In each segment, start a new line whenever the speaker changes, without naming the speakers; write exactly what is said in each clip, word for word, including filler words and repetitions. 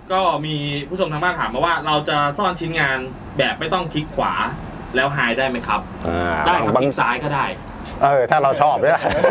ก็มีผู้ชมทางบ้านถามมาว่าเราจะซ่อนชิ้นงานแบบไม่ต้องคลิกขวาแล้วไฮได้ไหมครับได้ครับคลิกซ้ายก็ได้
เออถ้าเราชอบเนี่ย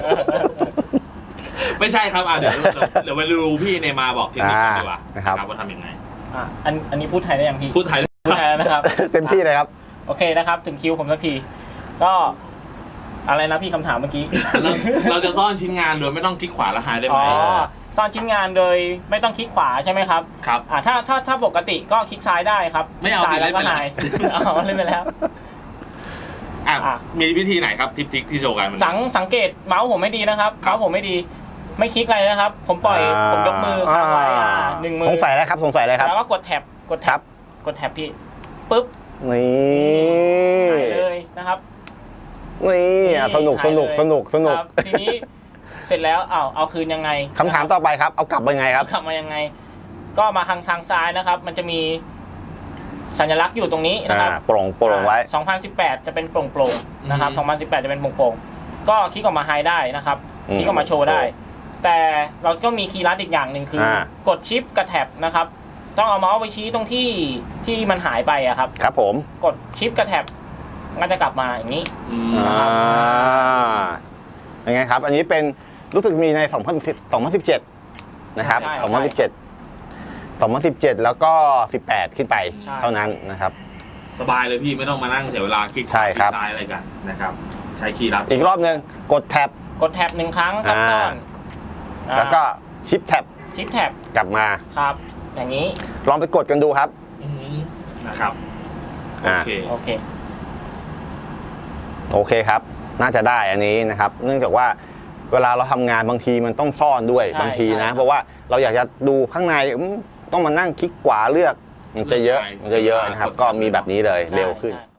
ไม่ใช่ครับอ่ะเดี๋ยวเดี๋ยวไปดูพี่เนมาบอกเทคนิคกันดีกว่านะครับว่าทำยังไง
อ่ะอันอันนี้พูดไทยได้ยังพี่
พูดไทย
พูดไทยนะครับ
เต็มที่เลยครับ
โอเคนะครับถึงคิวผมสักทีก็อะไรนะพี่คำถามเมื่อกี้
เราเราจะซ่อนชิ้นงานโดยไม่ต้องคลิกขวาแล้วไฮได้ไหม
อ๋อซ่อนชิ้นงานโดยไม่ต้องคลิกขวาใช่ไหมครับ
ครับ
อ่าถ้าถ้าถ้าปกติก็คลิกซ้ายได้ครับ
ไม่เอา
ซ้ายแล้วก็ไฮเอาเล่นไปแล้ว
อ่ะมีวิธีไหนครับทิปทิกที่โชว์กัน
สังสังเกตเมาส์ผมไม่ดีนะครับเมาส์ผมไม่ดีไม่คลิกอะไรนะครับผมปล่อยผมยกมือค้างไว้หนึ่งมือ
สงสัยแล้วครับสงสัยเลยครับ
แล้วก็กดแท็บกดแท็บกดแท็บพี่ปุ๊บ
นี่
เลยนะครับ
นี่สนุกสนุกสนุกสนุก
ทีนี้เสร็จแล้วเอาเอาคืนยังไง
คำถามต่อไปครับเอากลับมายังไงครับ
กลับมายังไงก็มาทางทางซ้ายนะครับมันจะมีสัญลักษณ์อยู่ตรงนี้นะครับ
โปร่งโปร่งไว้
สองพันสิบแปดจะเป็นโปร่งโปร่งนะครับสองพันสิบแปดจะเป็นโปร่งโปร่งก็คลิกออกมาไฮได้นะครับคลิกออกมาโชว์ได้แต่เราก็มีคีย์ลัดอีกอย่างหนึ่งคือกดชิปกับแท็บนะครับต้องเอาเมาส์ไปชี้ตรงที่ที่มันหายไปอะครับ
ครับผม
กดชิปกับแท็บมันจะกลับมาอย่างนี้
อ่ายังไงครับอันนี้เป็นรู้สึกมีในสองพันสิบเจ็ดนะครับสองพันสิบเจ็ด สองพันสิบเจ็ดแล้วก็สิบแปดขึ้นไปเท่านั้นนะครับ
สบายเลยพี่ไม่ต้องมานั่งเสียเวลาคลิกซ้ายอะไรกันนะครับใช้คีย์ลัด
อีกรอบนึงกดแท็บ
กดแท็บหนึ่งครั้งครับซ่อน
แล้วก็ชิปแท็บ
ชิปแท็บ
กลับมา
ครับอย่างนี้
ลองไปกดกันดูครับ
นะครับ
โอเคโอเค
โอเคครับน่าจะได้อันนี้นะครับเนื่องจากว่าเวลาเราทำงานบางทีมันต้องซ่อนด้วยบางทีนะเพราะว่าเราอยากจะดูข้างในต้องมานั่งคลิกขวาเลือกมันจะเยอะมันจะเยอะนะครับก็มีแบบนี้เลยเร็วขึ้น